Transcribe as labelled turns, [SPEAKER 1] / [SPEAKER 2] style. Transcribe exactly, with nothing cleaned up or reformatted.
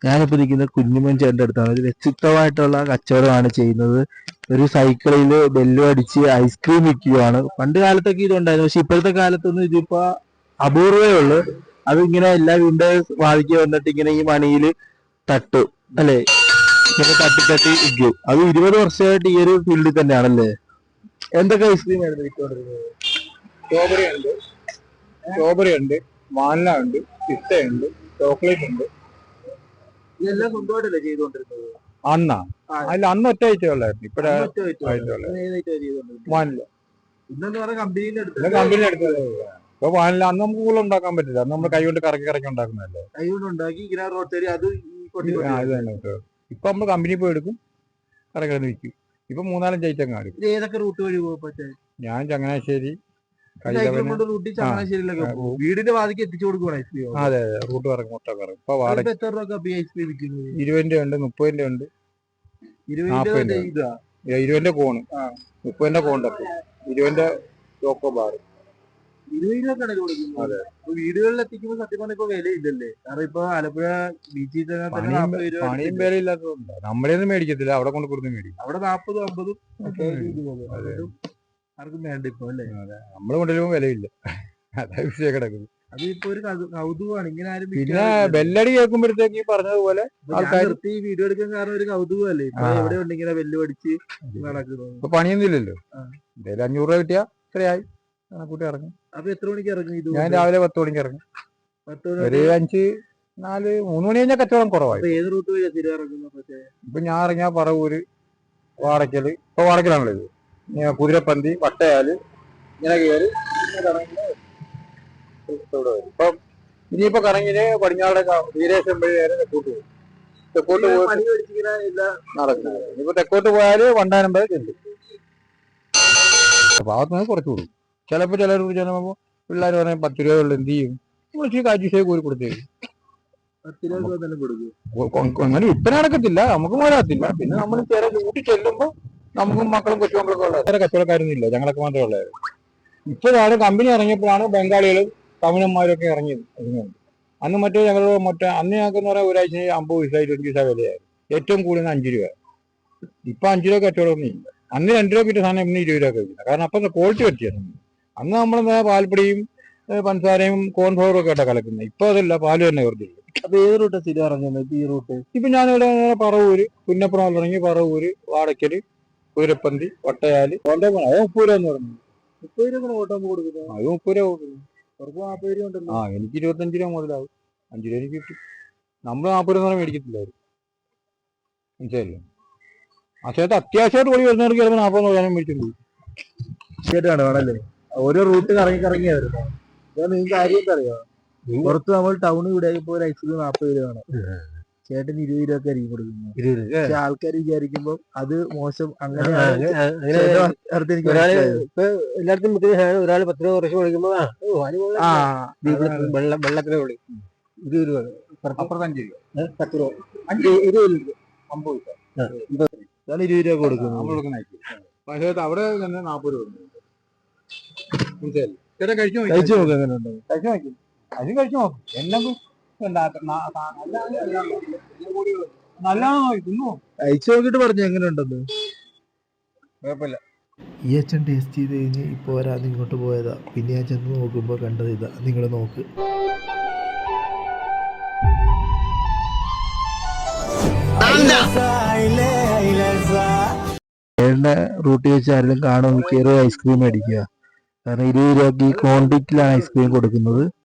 [SPEAKER 1] ഞാനിപ്പോ നിൽക്കുന്നത് കുഞ്ഞുമോൻ ചേട്ടൻ്റെ അടുത്താണ്. ഒരു വ്യക്തിത്വമായിട്ടുള്ള കച്ചവടമാണ് ചെയ്യുന്നത്. ഒരു സൈക്കിളിൽ ബെല്ലും അടിച്ച് ഐസ്ക്രീം വിൽക്കുകയാണ്. പണ്ട് കാലത്തൊക്കെ ഇതുണ്ടായിരുന്നു, പക്ഷെ ഇപ്പോഴത്തെ കാലത്തൊന്നും ഇതിപ്പോ അപൂർവേ ഉള്ളു. അത് ഇങ്ങനെ എല്ലാ വീടിന്റെ വാതിക്ക് വന്നിട്ട് ഇങ്ങനെ ഈ മണിയിൽ തട്ടും അല്ലെ, ഇങ്ങനെ തട്ടി തട്ടി വിൽക്കും. അത് ഇരുപത് വർഷമായിട്ട് ഈ ഒരു ഫീൽഡിൽ തന്നെയാണല്ലേ. എന്തൊക്കെ ഐസ്ക്രീം ആയിരുന്നു വിൽക്കൊണ്ടിരുന്നത്?
[SPEAKER 2] സ്ട്രോബെറി ഉണ്ട്, സ്ട്രോബെറി ഉണ്ട്, വാനില ഉണ്ട്, പിസ്ത ഉണ്ട്, ചോക്ലേറ്റ് ഉണ്ട്.
[SPEAKER 1] ഇതെല്ലാം സ്വന്തമായിട്ടല്ലേ ചെയ്തുകൊണ്ടിരുന്നത്?
[SPEAKER 2] അന്നാ അല്ല, അന്ന് ഒറ്റ ഐറ്റം ഉള്ളായിരുന്നു. ഇപ്പഴ വാനില
[SPEAKER 1] ഇന്നെന്ന് പറഞ്ഞാൽ കമ്പനിയുടെ അടുത്ത്
[SPEAKER 2] കമ്പനി എടുത്തത്. ഇപ്പൊ വാനില അന്ന് നമുക്ക് കൂടുതൽ ഉണ്ടാക്കാൻ പറ്റില്ല. അന്ന് നമ്മൾ കൈ കൊണ്ട് കറക്കി കറക്കി ഉണ്ടാക്കുന്നതല്ലേ.
[SPEAKER 1] കൈ കൊണ്ട് ഉണ്ടാക്കി ഇങ്ങനെ റോട്ടറി അത്
[SPEAKER 2] ഇത് തന്നെ. ഇപ്പൊ നമ്മൾ കമ്പനി പോയി എടുക്കും, കറക്കി വിൽക്കും. ഇപ്പൊ മൂന്നാലഞ്ച് ഐറ്റം കാണും.
[SPEAKER 1] ഏതൊക്കെ റൂട്ട് വഴി പോകാൻ?
[SPEAKER 2] ഞാൻ ചങ്ങനാശ്ശേരി
[SPEAKER 1] വീടിന്റെ വാതിക്ക് എത്തിച്ചു കൊടുക്കുവാണ് ഐസ്ക്രീം.
[SPEAKER 2] അതെ അതെ, റൂട്ട് കറങ്ങും, മുട്ട കറങ്ങും. ഇപ്പൊ വാടക
[SPEAKER 1] എത്ര രൂപ ഐസ്ക്രീം വിൽക്കുന്നത്?
[SPEAKER 2] ഇരുപതിന്റെ ഉണ്ട്, മുപ്പതിന്റെ ഉണ്ട്, നാപ്പതിന്റെ ഇരുപതിന്റെ കോണ്, മുപ്പതിന്റെ കോണ്ടൊക്കെ, ഇരുപതിന്റെ ചോക്കോ ബാർ,
[SPEAKER 1] ഇരുപത് രൂപ കടയിൽ കൊടുക്കുന്നത്. വീടുകളിൽ എത്തിക്കുമ്പോൾ സത്യം പറഞ്ഞ ഇപ്പൊ വിലയില്ലല്ലേ? കാരണം ഇപ്പൊ ആലപ്പുഴ ബീച്ചിൽ
[SPEAKER 2] പണിയും വില ഇല്ലാത്തതുകൊണ്ട് നമ്മളെയൊന്നും മേടിക്കത്തില്ല, അവിടെ കൊണ്ട് കൊടുത്ത് മേടിക്കും.
[SPEAKER 1] അവിടെ നാപ്പതും അമ്പതും ആർക്കും വേണ്ട ഇപ്പൊ അല്ലേ?
[SPEAKER 2] നമ്മള് കൊണ്ടുവരുമ്പോ വിലയില്ല, അതാ വിഷയം കിടക്കുന്നത്.
[SPEAKER 1] അതിപ്പോ ഒരു കൗതുകമാണ് ഇങ്ങനെ ആരും.
[SPEAKER 2] പിന്നെ ബെല്ലടി കേൾക്കുമ്പോഴത്തേക്ക് ഈ പറഞ്ഞതുപോലെ ആൾക്കാർ
[SPEAKER 1] ഈ വീഡിയോ എടുക്കാൻ കാരണം ഒരു കൗതുകമല്ലേ? ഇപ്പൊ എവിടെ ഉണ്ട് ഇങ്ങനെ ബെല്ല് പഠിച്ച് നടക്കുന്നത്?
[SPEAKER 2] ഇപ്പൊ പണിയൊന്നും ഇല്ലല്ലോ. എന്തായാലും അഞ്ഞൂറ് രൂപ കിട്ടിയാ ഇത്രയായി, കണക്കൂട്ടി ഇറങ്ങും.
[SPEAKER 1] അപ്പൊ എത്ര മണിക്ക് ഇറങ്ങും? ഇത്
[SPEAKER 2] ഞാൻ രാവിലെ പത്ത് മണിക്ക് ഇറങ്ങും. ഒരു അഞ്ച് നാല് മൂന്ന് മണി കഴിഞ്ഞാൽ കച്ചവടം കുറവായി.
[SPEAKER 1] ഏത് റൂട്ട് വഴിയാ സ്ഥിരം ഇറങ്ങുന്നത്?
[SPEAKER 2] ഇപ്പൊ ഞാൻ ഇറങ്ങിയ പറവൂര്, വാടക്കല്. ഇപ്പൊ വാടക്കലാണല്ലോ ഇത്. കുതിരപ്പന്തി, വട്ടയാല്, ഇങ്ങനെ കയറി ഇപ്പൊ ഇനിയിപ്പോ കറങ്ങിന് പടിഞ്ഞാറ് വീരേശം വഴി നേരെ തെക്കോട്ട് പോകും. തെക്കോട്ട് പോയി നടക്കുന്നത്. ഇനിയിപ്പോ തെക്കോട്ട് പോയാല് വണ്ടാനം വരെ ചെല്ലും. ഭാഗത്തുനിന്ന് കുറച്ച് കൊടുക്കും. ചിലപ്പോ ചിലർ ചിലപ്പോ പിള്ളേർ പറഞ്ഞാൽ പത്ത് രൂപ ഉള്ളു, എന്ത് ചെയ്യും? നമ്മൾ ഇച്ചിരി കാശ് കോരി കൊടുത്തേക്കും. അങ്ങനെ വിൽപ്പന നടക്കത്തില്ല, നമുക്ക് പോരാത്തില്ല. പിന്നെ നമ്മൾ ചില കൂട്ടി ചെല്ലുമ്പോ നമുക്കും മക്കളും കൊച്ചുമക്കളൊക്കെ ഉള്ളത്. വേറെ കച്ചവടക്കാരൊന്നും ഇല്ല, ഞങ്ങളൊക്കെ മാത്രമേ ഉള്ളായിരുന്നു. ഇപ്പോഴാണ് കമ്പനി ഇറങ്ങിയപ്പോഴാണ് ബംഗാളികളും തമിഴന്മാരും ഒക്കെ ഇറങ്ങിയത്. അന്ന് മറ്റേ ഞങ്ങൾ മറ്റേ അന്ന് ഞങ്ങൾക്ക് എന്ന് പറയാൻ ഒരാഴ്ച അമ്പത് പൈസ ഇരുപത് പൈസ വിലയായിരുന്നു. ഏറ്റവും കൂടുതൽ അഞ്ച് രൂപ. ഇപ്പൊ അഞ്ചു രൂപ കച്ചവടമൊന്നും ഇല്ല. അന്ന് രണ്ട് രൂപ കിട്ടിയ സാധനം ഇന്ന് ഇരുപത് രൂപ കഴിക്കില്ല. കാരണം അപ്പൊ ക്വാളിറ്റി പറ്റിയാണ്. അന്ന് നമ്മൾ പാൽപ്പൊടിയും പഞ്ചസാരയും കോൺഫ്ലവറും ഒക്കെ ആയിട്ടാണ് കലക്കുന്നത്. ഇപ്പൊ അതല്ല, പാല് തന്നെ വെറുതെ.
[SPEAKER 1] അപ്പൊ ഏത് റൂട്ടാ സ്ഥിരം ഇറങ്ങുന്നത്? ഈ റൂട്ട്
[SPEAKER 2] ഇപ്പൊ ഞാനിവിടെ പറവൂര്, പുന്നപ്പുറം തുടങ്ങി പറവൂര്, വാടക്കല്, കുതിരപ്പന്തി, വട്ടയാല്, അത് മുപ്പത് രൂപ എന്ന് പറഞ്ഞു.
[SPEAKER 1] മുപ്പത് രൂപ ഓട്ടം കൊടുക്കുന്നത്?
[SPEAKER 2] അത് മുപ്പത് രൂപ കൊടുക്കുന്നു.
[SPEAKER 1] നാപ്പത് രൂപ ഉണ്ടല്ലോ.
[SPEAKER 2] ആ, എനിക്ക് ഇരുപത്തഞ്ച് രൂപ മുതലാവും. അഞ്ചു രൂപ എനിക്ക് കിട്ടും. നമ്മള് നാപ്പത് രൂപ മേടിക്കത്തില്ലായിരുന്നു, മനസ്സിലല്ലേ? ആ സമയത്ത് അത്യാവശ്യമായിട്ട് ഓടി വരുന്നവർക്ക് ചിലപ്പോൾ നാപ്പത് രൂപ മേടിച്ചിട്ടുണ്ട്.
[SPEAKER 1] ആണല്ലേ? ഓരോ റൂട്ട് കറങ്ങി കറങ്ങി വരുന്നത്. നിങ്ങൾക്ക് കാര്യം അറിയാം, പുറത്ത് നമ്മൾ ടൗണിൽ ഇവിടെ ഇപ്പോൾ ഒരു ഐസ്ക്രീം നാപ്പത് രൂപയാണ്, ചേട്ടന് ഇരുപത് രൂപ ആയിരിക്കും കൊടുക്കുന്നത്. പക്ഷെ ആൾക്കാർ വിചാരിക്കുമ്പോ അത് മോശം. അങ്ങനെ
[SPEAKER 3] എല്ലായിടത്തും ഒരാൾ പത്ത് രൂപ കുറച്ച് കൊടുക്കുമ്പോ വെള്ളത്തിന് വിളി ഇരുപത് രൂപ,
[SPEAKER 2] അപ്പുറത്തഞ്ച് രൂപ,
[SPEAKER 3] പത്ത് രൂപ, ഇരുപത് രൂപ, അമ്പത് രൂപ,
[SPEAKER 1] ഇരുപത് രൂപ കൊടുക്കുന്നു.
[SPEAKER 2] പക്ഷേ അവിടെ തന്നെ നാപ്പത് രൂപ. ചേട്ടാ കഴിച്ചു
[SPEAKER 1] കഴിച്ചു നോക്കാം, എങ്ങനെ ഉണ്ടോ?
[SPEAKER 2] കഴിച്ചു നോക്കും, അതും കഴിച്ചു നോക്കും. എല്ലാം നല്ലതാണോ തിന്നോ?
[SPEAKER 1] കഴിച്ചു നോക്കിട്ട് പറഞ്ഞു എങ്ങനെ ഉണ്ടെന്ന്.
[SPEAKER 2] കുഴപ്പമില്ല.
[SPEAKER 1] ഈ അച്ഛൻ ടേസ്റ്റ് ചെയ്ത് കഴിഞ്ഞ് ഇപ്പോൾ ഒരാൾ ഇങ്ങോട്ട് പോയതാ. പിന്നെ ഞാൻ ചെന്ന് നോക്കുമ്പോൾ കണ്ടത് ഇതാ, നിങ്ങൾ നോക്ക്. ചേട്ടൻ്റെ റൂട്ടിൽ വെച്ച് ആരെങ്കിലും കാണുമെങ്കിൽ കയറി ഐസ്ക്രീം മേടിക്കുക. കാരണം ഇരുപത് രൂപയ്ക്ക് ഈ ക്വാണ്ടിറ്റിയിലാണ് ഐസ്ക്രീം കൊടുക്കുന്നത്.